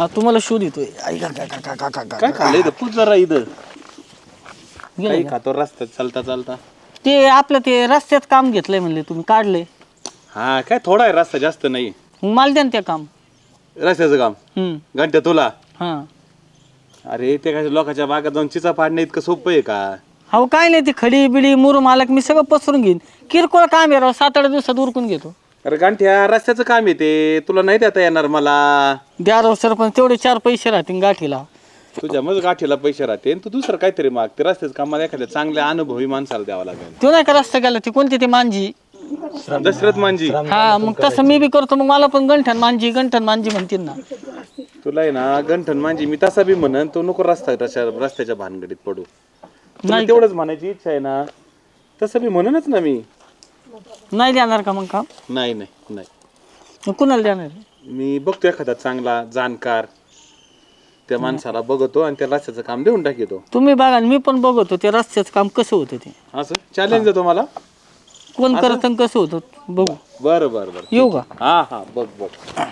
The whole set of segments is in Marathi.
हा तुम्हाला शोध येतोय काय खाल्लं इथं पूज जरा इथं गेलं काही का? खातो रस्त्यात चालता चालता. ते आपलं ते रस्त्यात काम घेतलंय म्हणले तुम्ही काढलंय हा काय थोडा आहे रस्ता जास्त नाही. मग मला द्या ना ते काम. रस्त्याचं काम घंट्या तुला. हा अरे ते काय लोकांच्या बागात जाऊन चिचा पाडणं इतकं सोपं आहे का? हो काय नाही ती खडी बिडी मुरू मालक मी सगळं पसरून घेईन. किरकोळ काम आहे राव 7-8 दिवसात उरकून घेतो. अरे गांठ्या रस्त्याचं काम आहे ते तुला नाही देता येणार मला. द्या राव सरपंच तेवढे 4 पैसे राहतील गाठीला. तुझ्या मग गाठीला पैसे राहते तू दुसरं काहीतरी माग. ते रस्त्याचं काम मला एखाद्या चांगल्या अनुभवी माणसाला द्यावा लागेल. तो नाही का रस्ता गेला ती कोणती ती मांजी. दशरथ मांजी. हा मग तसं मी बी करतो मग मला पण गंठन मांजी म्हणतील ना. तुला आहे ना गंठन मांजी मी तसा बी म्हणन तू नको रस्त्याच्या भानगडीत पडू. नाही तेवढंच म्हणायची इच्छा आहे ना तसं बी म्हणूनच ना मी. नाही देणार का मग काम? नाही नाही नाही मग कुणाला देणार? मी बघतो एखादा चांगला जाणकार त्या माणसाला बघतो आणि त्या रस्त्याचं काम देऊन टाकतो. तुम्ही बघा मी पण बघतो ते रस्त्याचं काम कसं होतं ते. असं चॅलेंज आहे तुम्हाला. कोण करत आणि कसं होतं बघू. बरं बरं बरं येऊ का? हा हा बघ बघ.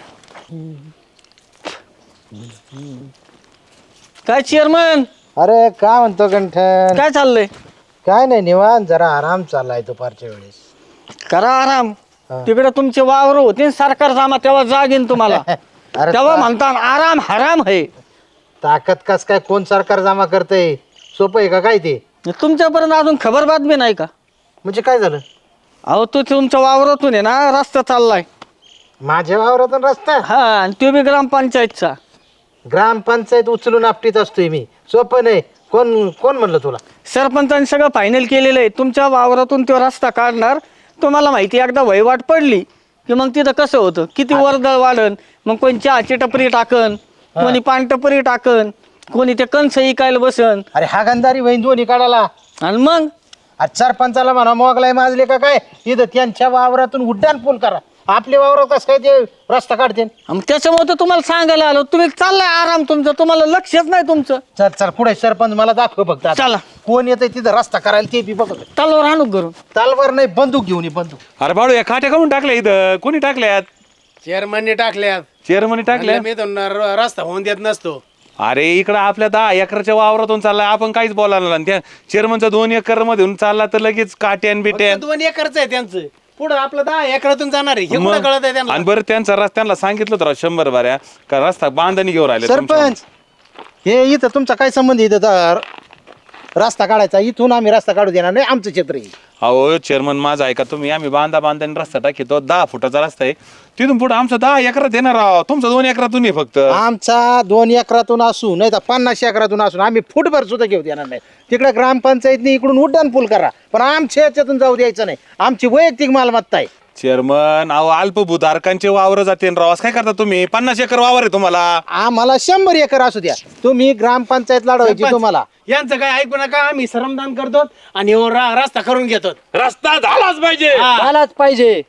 काय चेअरमन अरे काय म्हणतो गंठन? काय चाललंय? काय नाही निवांत जरा आराम चाललाय दुपारच्या वेळेस. करा आराम. तिकडे तुमचे वावर होते सरकार जामा तेव्हा जागेन तुम्हाला. अरे तेव्हा म्हणता आराम हराम आहे. ताकद कस काय कोण सरकार जमा करतय? सोपं आहे का काय ते? तुमच्यापर्यंत अजून खबर बातमी नाही का? म्हणजे काय झालं? अहो तो तुमच्या वावरातून आहे ना रस्ता चाललाय. माझ्या वावरातून रस्ता? हा आणि तो बी ग्रामपंचायतचा. ग्रामपंचायत उचलून आपटीत असतोय मी. सोपं नाही. कोण कोण म्हणलं तुला? सरपंचांनी सगळं फायनल केलेलं आहे. तुमच्या वावरातून तो रस्ता काढणार. तुम्हाला माहिती एकदा वहिवाट पडली की मग तिथं कसं होतं किती वर्दळ वाढन. मग कोणी चहाची टपरी टाकन, कोणी पान टपरी टाकन, कोणी ते कणस इकायला बसन. अरे हा गंधारी बहीण दोन्ही काढाला. आणि मग सरपंचाला म्हणा मोगलाय माजले का काय इथं त्यांच्या वावरातून उड्डाण पूल करा. आपल्या वावरात कसं काय ते रस्ता काढते? मग त्याच्यामुळे तर तुम्हाला सांगायला आलो. तुम्ही चाललाय आराम तुमचं तुम्हाला लक्षच नाही तुमचं. चल चल पुढे सरपंच मला दाखव फक्त आता. चला कोण येतंय तिथं रस्ता करायला ते बी बघ. तलवार आणू करून. तलवार नाही बंदूक घेऊन ये बंदूक. अरे बाळू या काट्या काढून टाकल्या इथं कोणी टाकल्यात? चेअरमनने टाकल्यात. चेअरमनी टाकल्या. मी तर रस्ता होऊन देत नसतो. अरे इकडं आपल्या 10 एकरच्या वावरातून चाललाय आपण काहीच बोलायला नाही. त्या चेअरमनचा 2 एकर मधून चालला तर लगेच काट्यान बिट्यान. 2 एकरच आहे त्यांचं. पुढं आपलं 10 एकरातून जाणार आहे हे कुठं कळत आहे त्यांना? आणि बरं त्यांचा रस्त्याला सांगितलं तर 100 बाऱ्या का रस्ता बांधणी घेऊन राहिले. सरपंच हे इथं तुमचा काय संबंध इथं रस्ता काढायचा? इथून आम्ही रस्ता काढू देणार नाही. आमचं क्षेत्र आहे. अहो चेअरमन माझा ऐका तुम्ही. आम्ही बांधानी रस्ता टाकीतो 10 फुटाचा रस्ता आहे. तिथून पुढे आमचा 10 एकरात येणार आहोत. तुमचा 2 एकरातून आहे फक्त. आमचा 2 एकरातून असू नाही तर 50 एकरातून असून आम्ही फुटभर सुद्धा घेऊ देणार नाही. तिकडे ग्रामपंचायतनी इकडून उड्डाण पूल करा पण आमच्या याच्यातून जाऊ द्यायचं नाही. आमची वैयक्तिक मालमत्ता आहे. चेअरमन अहो अल्पभूधारकांचे वावर जाते रावास काय करता तुम्ही? 50 एकर वावर आहे तुम्हाला. आम्हाला 100 एकर असू द्या. तुम्ही ग्रामपंचायत लढवायची तुम्हाला. यांचं काय ऐकू नका. आम्ही श्रमदान करतो आणि रस्ता करून घेतो. रस्ता झालाच पाहिजे. झालाच पाहिजे.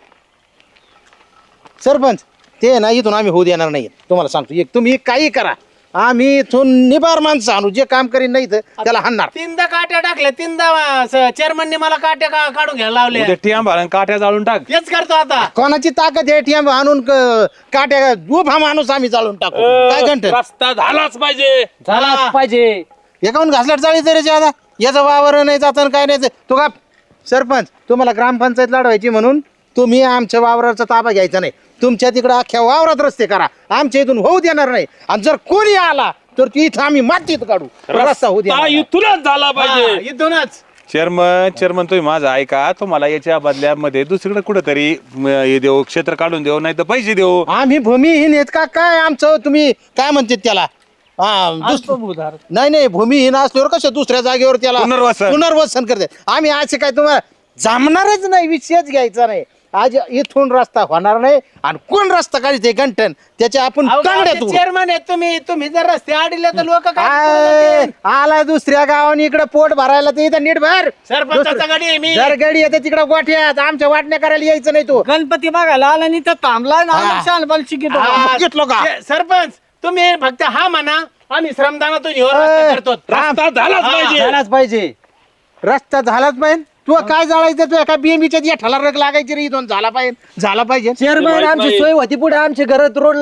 सरपंच ते ना इथून आम्ही होऊ देणार नाही. तुम्हाला सांगतो एक तुम्ही काही करा आम्ही इथून निबार माणसं आणू. जे काम करीन नाही तर त्याला हाणणार. 3दा काट्या टाकल्या. 3दा चेअरमनने मला काट्या काढून घ्यायला लावल्या. उद्या टियाम भरून काट्या जाळून टाक. तेच करतो आता. कोणाची ताकद आहे टीएम आणून काट्या उभा माणूस आम्ही चालून टाकू. काय घंटे रस्ता झालाच पाहिजे. झालाच पाहिजे. एकाहून घासलाट चाळी तरी आता याचा वावर नाही जात काय नाही. तो का सरपंच तुम्हाला ग्रामपंचायत लढवायची म्हणून तुम्ही आमच्या वावराचा ताबा घ्यायचा नाही. तुमच्या तिकडे अख्ख्या वावरात रस्ते करा. आमच्या इथून होऊ देणार नाही. आणि जर कोणी आला तर इथं आम्ही मातीत काढू. रस्ता होऊ देणार नाही. इथूनच झाला पाहिजे. इथूनच. चेअरमन तुम्ही माझा ऐका. तुम्हाला याच्या बदल्यामध्ये दुसरीकडे कुठेतरी हे देऊ क्षेत्र काढून देऊ नाही तर पैसे देऊ. आम्ही भूमिहीन आहेत का काय? आमचं तुम्ही काय म्हणते त्याला अल्पभूधारक. नाही भूमिहीन असल्यावर कसं दुसऱ्या जागेवर त्याला पुनर्वसन करते. आम्ही असे काय तुम्हाला जमणारच नाही. विषयच घ्यायचा नाही. आज इथून रस्ता होणार नाही. आणि कोण रस्ता काढते गंठन त्याच्या आपण चेअरमन आहेत तुम्ही जर रस्ते आडले तर लोक काय आला दुसऱ्या गावाने इकडे पोट भरायला तर इथं नीट भर. सरपंचाचा गाडी आहे मी. जर गाडी येते तिकडे गोठ्यात आमच्या वाटण्या करायला यायचं नाही. तो गणपती बघायला आला आणि तर थांबलाय ना शानबाल शिकितो. घेतलो का? सरपंच तुम्ही फक्त हा म्हणा. आम्ही श्रमदानातून रस्ता करतो. रस्ता झालाच पाहिजे. झालाच पाहिजे. रस्ता झालाच पाहिजे. तू काय जाळायचं? तू एका बीएमईच्या या ठला रग लागायची रे. इथून झाला पाहिजे. चेअरमन आमची सोय होती पुढे आमच्या घरात रोडला.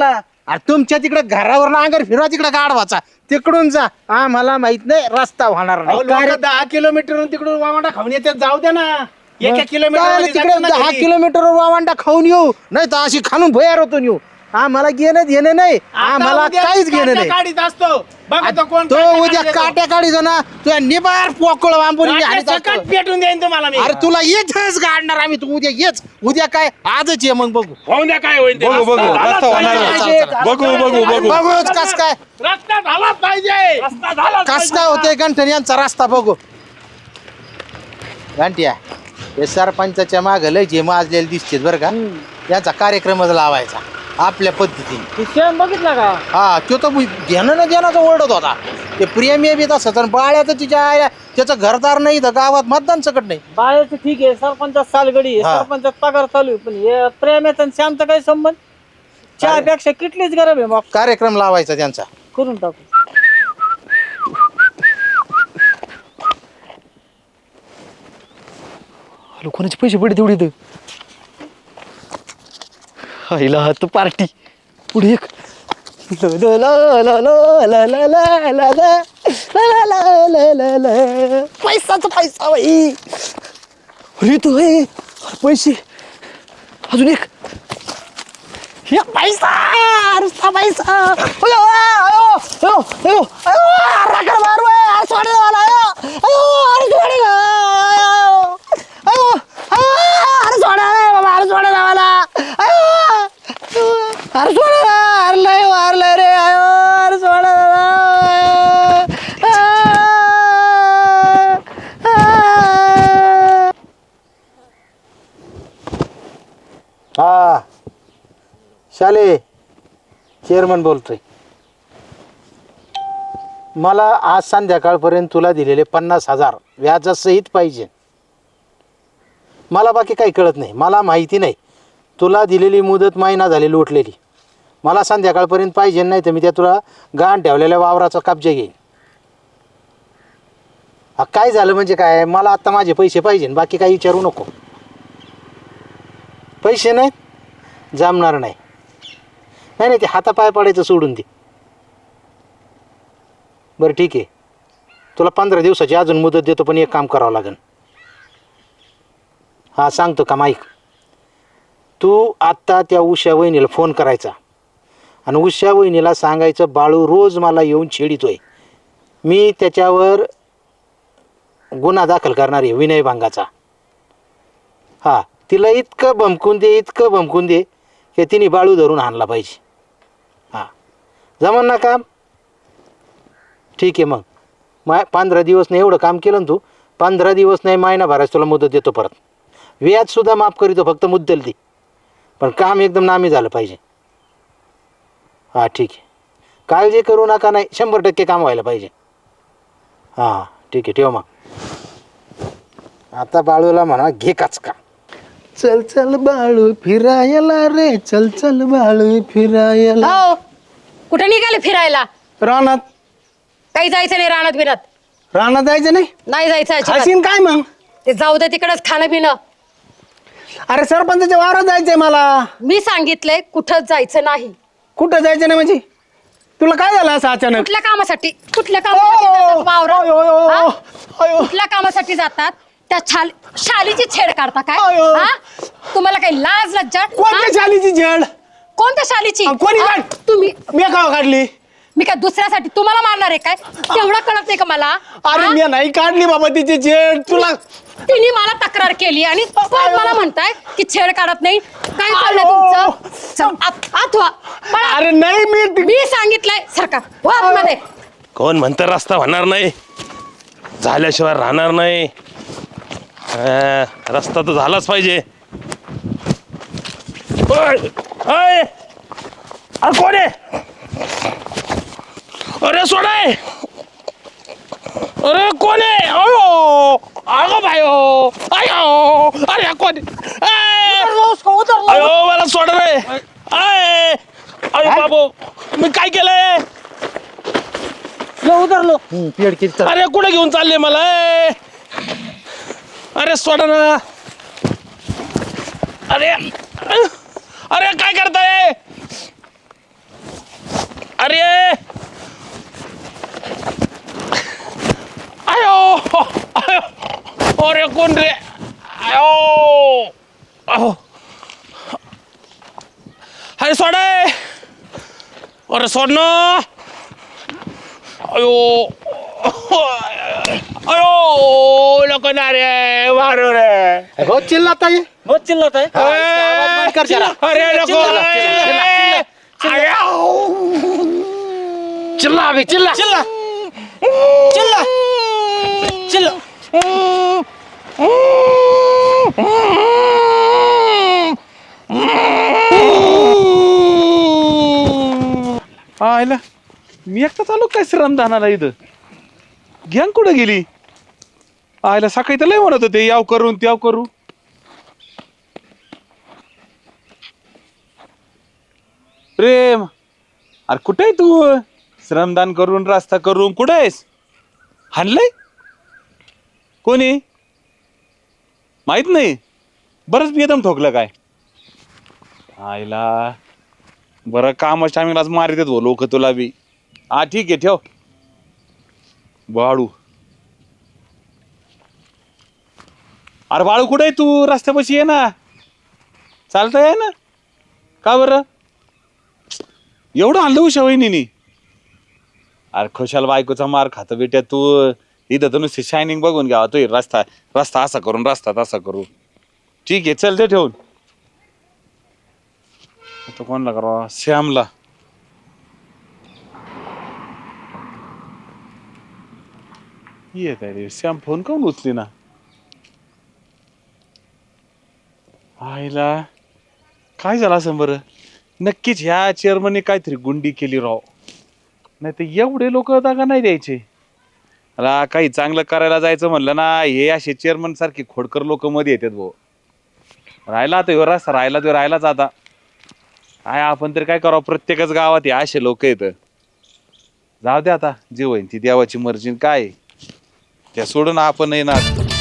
अरे तुमच्या तिकडे घरावर नांगर फिरवा तिकडे गाढवाचा तिकडून जा आम्हाला माहित नाही रस्ता होणार अहो, नाही लोकं 10 किलोमीटर तिकडून वामाडा खाऊन येतात जाऊ द्या ना एका काय किलोमीटर तिकडे 10 किलोमीटर वावंडा खाऊन येऊ नाही तर अशी खालून भुयार होतून येऊ आम्हाला घेणं नाही आम्हाला काहीच घेणं नाही गाडीत असतो बघा तो कोण तो काट्या उद्या काढीत काट्या काढीतो ना तुझ्या निबार पोकळ वांबून येतो. हाणीत काट्या असतो. सकट पेटून देईन तुम्हाला मी अरे तुला येतच गाडणार आम्ही तू उद्या येच उद्या काय आजच ये मग बघू होऊन द्या काय होईल ते. बघू रस्ता होणार पाहिजे. बघू बघूच कस काय रस्ता झाला पाहिजे रस्ता झाला कस काय होते गंठन यांचा रस्ता बघू घंट्या हे सरपंचाच्या माग लय जे माजलेले दिसते बरं का याचा कार्यक्रमच लावायचा आपल्या पद्धतीने शेण बघितला का हा तो तर घेणं ना देण्याचा ओरडत होता ते प्रेमी बी तसं तर बाळ्याचं तिच्या आया त्याचं घरदार नाही तर गावात मतदान सकट नाही बाळाचं ठीक आहे सरपंचात सालगडी आहे, हा. सरपंचात पगार चालू आहे, पण हे प्रेमाचा आणि श्यामचा काही संबंध चहापेक्षा किटलीच गरम आहे मग कार्यक्रम लावायचा त्यांचा करून टाकू कोणाचे पैसे पडे तेवढे इथं हायला तू पार्टी पुढे एक पैसाचा पैसा बाई अरे तू हे पैसे अजून एक हे पैसा नुसता पैसा अयो अयो अयो अयो अयो राखर मार बाय सोडे मला अयो अयो अरे सोडे अयो अयो अरे सोडा रे बाबा अरे सोडा मला अयो अरे सोडा अरे लय मारलं रे अयो अरे सोडा हा शाले चेअरमन बोलतोय मला आज संध्याकाळपर्यंत तुला दिलेले 50,000 व्याजासहित पाहिजे मला बाकी काही कळत नाही मला माहिती नाही तुला दिलेली मुदत महिना झाली लोटलेली मला संध्याकाळपर्यंत पाहिजे नाही तर मी त्या तुला गहाण ठेवलेल्या वावराचा कब्जा घेईन हा काय झालं म्हणजे काय मला आत्ता माझे पैसे पाहिजे बाकी काही विचारू नको पैसे नाहीत जमणार नाही नाही नाही ते हातापाय पडायचं सोडून दे बरं ठीक आहे तुला 15 दिवसाची अजून मुदत देतो पण एक काम करावं लागेल हां सांगतो का माईक तू आत्ता त्या उषा वहिनीला फोन करायचा आणि उषा वहिनीला सांगायचं बाळू रोज मला येऊन छेडितोय मी त्याच्यावर गुन्हा दाखल करणार आहे विनयभंगाचा हां तिला इतकं भमकून दे की तिने बाळू धरून आणला पाहिजे हां जमन ना काम ठीक आहे मग 15 दिवस नाही एवढं काम केलं ना तू 15 दिवस नाही महिनाभराच तुला मुदत देतो परत व्याजसुद्धा माफ करीतो फक्त मुद्दल दे पण काम एकदम नामी झालं पाहिजे हां ठीक आहे काळजी करू नका नाही 100% काम व्हायला पाहिजे हां ठीक आहे ठेव मग आता बाळूला म्हणा घे काच का चल चल बाळू फिरायला रे चल चल बाळू फिरायला हो कुठे निघाले फिरायला रानात काही जायचं नाही रानात बिनात रानात जायचं नाही नाही जायचं अजिबात. खाशीन काय मग ते जाऊ दे तिकडच खाणं पिणं अरे सरपंचाच्या वावरात जायचंय मला मी सांगितलंय कुठंच जायचं नाही कुठं जायचं नाही म्हणजे तुला काय झालं असं अचानक कुठल्या कामासाठी जातात वावरात? हा? कुठल्या कामासाठी जातात त्या शालीची छेड काढता काय अयो. हा? तुम्हाला काही लाज लज्जा कोणत्या हा? शालीची झेड कोणत्या शालीची कोणी हा? काढ? तुम्ही मी का काढली मी काय दुसऱ्यासाठी तुम्हाला मारणार आहे काय तेवढं कळत नाही का मला अरे हा? मी नाही काढली बाबा तिची झेड तुला तिने मला तक्रार केली आणि परत मला म्हणताय की छेड काढत नाही काय चाललंय अयो. तुमचं चल, आत व्हा. पळा. अरे नाही मी मी सांगितलंय सरकार वा आतमध्ये. कोण म्हणतं रस्ता होणार नाही झाल्याशिवाय राहणार नाही रस्ता तर झालाच पाहिजे ओय, ओय. अरे कोण आहे अरे सोडाय अरे कोण आहे अयो अगो भायो अयो अरे कोण आहे? अयो मला सोड रे अयो बाबू मी काय केलंय उतरलो पेड किती अरे कुठे घेऊन चालले मला अरे सोडा ना अरे अरे काय करताय अरे आयो आयो अरे कोण रे आयो अहो अरे सोडे अरे सोड ना अयो अयो लोक ना रे मारो रे बहुत चिल्लाता है बहुत चिल्लत आहे आवाज बंद कर जरा अरे लोक चिल्ला अभी चिल्ला चिल्ला चिल्ला चिल्ला आयला मी एकटा चालू काय श्रमदानाला इथं गँग कुठं गेली आयला सकाळी तर लय म्हणत होते याव करून त्याव करू प्रेम अरे कुठे आहे तू श्रमदान करून रस्ता करून कुठे आहेस हाणलंय कोणी माहित नाही बरंच बेदम ठोकलं काय आयला बरं कामच टायमिंगलाच मारित भाऊ लोक तुला बी हा ठीक आहे ठेव बाळू अरे बाळू कुठे आहे तू रस्त्यापाशी ये ना चालता आहे ना का बरं एवढं आणलं उशा वहिनी अरे खुशाल बायकोचा मार खातो बेट्या तू इथं तर नुसती शायनिंग बघून घ्यावा तो रस्ता रस्ता असा करून रस्ता तसा करू ठीक आहे चल ते ठेवून आता कोणला करावा श्यामला येत आहे रे श्याम फोन काऊन उचली ना आईला काय झालं असं बरं नक्कीच ह्या चेअरमनने काहीतरी गुंडी केली राव नाही तर एवढे लोक जागा नाही द्यायचे मला काही चांगलं करायला जायचं म्हणलं ना हे असे चेअरमन सारखे खोडकर लोक मध्ये येतात भाऊ राहिला आता ह्यो रस्ता राहिला तो राहिलाच आता काय आपण तरी काय करावं प्रत्येकच गावात हे असे लोक येत जाऊ दे आता जे होईन ती देवाची मर्जी काय त्या सोडून आपण येणार